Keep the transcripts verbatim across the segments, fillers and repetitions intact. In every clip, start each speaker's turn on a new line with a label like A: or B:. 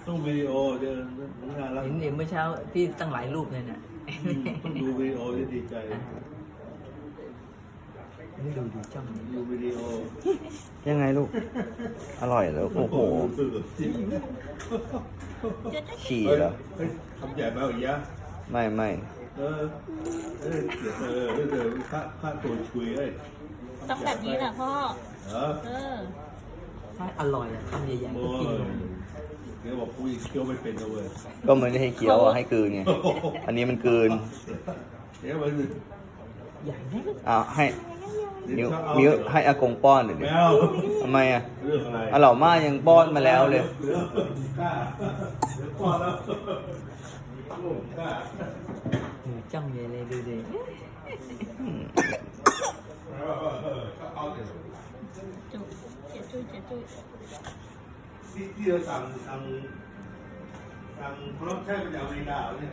A: ต้องวิดีโอเดี๋ยวน่ารัก
B: เห็นเห็นเมื่อเช้าที่ตั้งหลายรูปเลยน่ะ
A: ต้องดูวิดีโอจะดีใจ
B: ไม่ดูดูจ้อง
A: ดูวิดีโอ
C: ยังไงลูก อร่อยเหรอโอ้โหฉี่เหรอ
A: เฮ้ยทำใหญ่ไหมอีกยะ
C: ไม่ไม่
A: เออเออเดี๋ยวเออเดี๋ยวค่าค่าตัวชุยเอ้ย
D: ต้องแบบนี้แหละพ่อ
A: เหรอ
D: เออ
B: ถ้าอร่อยอะคำใหญ่ๆ
A: โอ้
B: ก็กิน
A: ย
B: ลง
A: เดี๋ยวบอกกูอีกเคี้ยวไม่เป็นนะเว้ย
C: ก็ไม่ได้ให้เคี้ยวอะให้กลืนไงอันนี้มันกลืน
A: เดี๋ยวมัน
B: ใหญ่ไหม
C: อ่าให้มิ้วมิ้วให้อากงป้อนหน่อย
A: แม
C: ดิ
A: ว
C: ทำไมอ่ะ
A: เรื่องอะไร
C: อ่ะเหล่าม่ายังป้อนมาแล้วเลย
A: เดี๋ยวกล้าเดี๋ยวป้อนแล้วกล้า
B: ดูจ้องใหญ่เลยดูดิ
D: จุ๊บเจ๊จุ้ยเจ๊จุ้ย
A: ที่ที่เราสั่งทางทางพร้อมใช้มาจากอเมริกาเนี่ย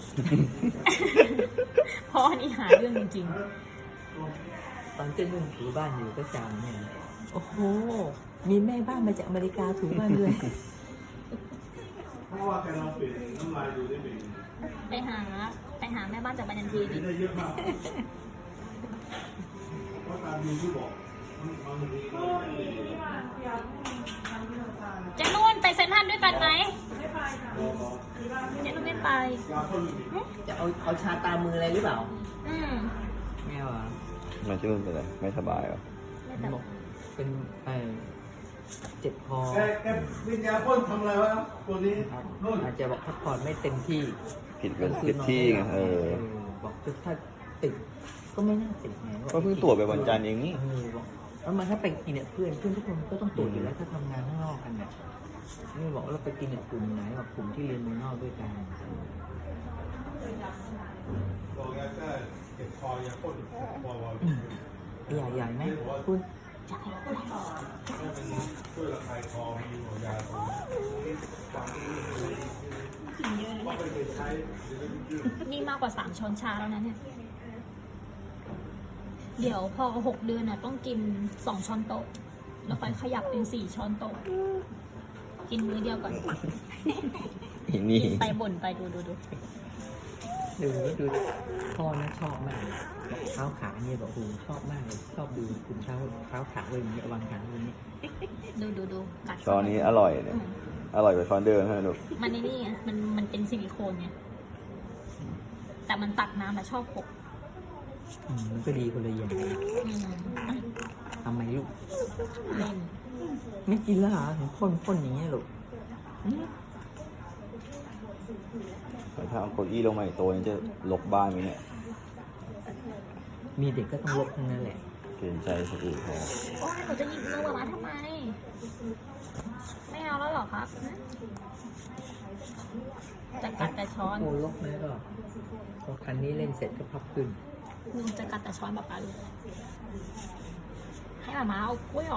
D: พ่อนี่หาเรื่องจริง
B: ตอนเจ้านุ่นถูบ้านอยู่ก็จำเนี่ยโอ้โหมีแม่บ้านมาจากอเมริกาถูบ้านด้วย
A: เพราะว่าแกลองเปลี่ยนน้ำลายดูได้เป็น
D: ๆ ไปหาไปหาแม่บ้านจากบันยันทีดิ
A: ได้เยอะมากเพราะตามดูที่บอกมันมันมีก็ไม่ดี
D: เจ๊นุ่นไปเซ็นทรัลด้วยกันไหมเจ๊นุ่นไม่ไป
A: ยาพ่น
B: จะเอาเอาชาตามมืออะไรหรือเปล่า
D: อืม
B: แม่ว่า
C: มันชื่อเป็นอะไรไม่สบายเหรอ
D: ไม่แต่
B: บอกเป็นไอเจ็บคอ
A: แกแกวิญญาพ่นทำอะไรวะตัวนี้
B: ครับ
A: นู่น
B: อาจจะบอกพักผ่อนไม่เต็มที่
C: ผิดเป็นผิดที่ไงเออ
B: บอกถ้าติดก็ไม่น่าติดไง
C: ก็เพิ่งตรวจไปวันจันทร์เองนี่
B: เออบอกแล้วมันถ้าไปกินเนี่ยเพื่อนเพื่อนทุกคนก็ต้องตรวจอยู่แล้วถ้าทำงานข้างนอกกันเนี่ยนี่บอกว่าเราไปกินเนี่ยกลุ่มไหนบอกกลุ่มที่เรียนเมืองนอกด้วยกัน
A: บอกยาแก้เจ็บคอยาพ่นคอวอล
B: ใหญ่ใหญ่ไหมคุณ
A: ช่วยระคายคอมีหัวยาตัวว่าไปใช้
D: นี่มากกว่าสามช้อนชาแล้วนะเนี่ย เดี๋ยวพอหกเดือนน่ะต้องกินสองช้อนโต๊ะ แล้วค่อยขยับเป็นสี่ช้อนโต๊ะ กินมื้อเดียวก่อน
C: อีนี่
D: กินไปบ่นไปดูดูดู
B: ดูดูพ่อนะชอบมากบอกเท้าขาเนี่ยบอกโอ้โหชอบมากเลยชอบดูคุณเท้าเท้าขาไว้อย่างเงี้ยวางขาไว้อย่างเงี้ย
D: ดูดูดูกัด
C: ช้อนนี้อร่อยเนี่ย
D: อืม
C: อร่อยกว่าช้อนเดิมใช่ไหมลูก
D: มันในนี่ไงมันมันเป็นซิลิโคนไงแต่มันตักน้ำมาชอบหก
B: อืมมันก็ดีคนละอย่าง
D: อืมอ่ะ
B: ทำไมลูก
D: เล่น
B: ไม่กินแล้วเหรอถึงพ่นพ่นอย่างเงี้ยลูกอืม
C: ถ้าเอาเก้าอี้ลงมาอีกตัวนี้จะลกบ้านไหมเนี่ย
B: มีเด็กก็ต้องลบทั้งนั้นแหละ
C: เกรงใจคนอื่นเขา
D: โอ้ยหนูจะหยิบมือมาทำไม ไม่เอาแล้วเหรอครับจะกัดแต่ช้อน
B: โอ้ลบไหมก็พอคันนี้เล่นเสร็จก็พับขึ้น
D: หนูจะกัดแต่ช้อนแบบปลาลูกให้หมามาเอากล้วยออก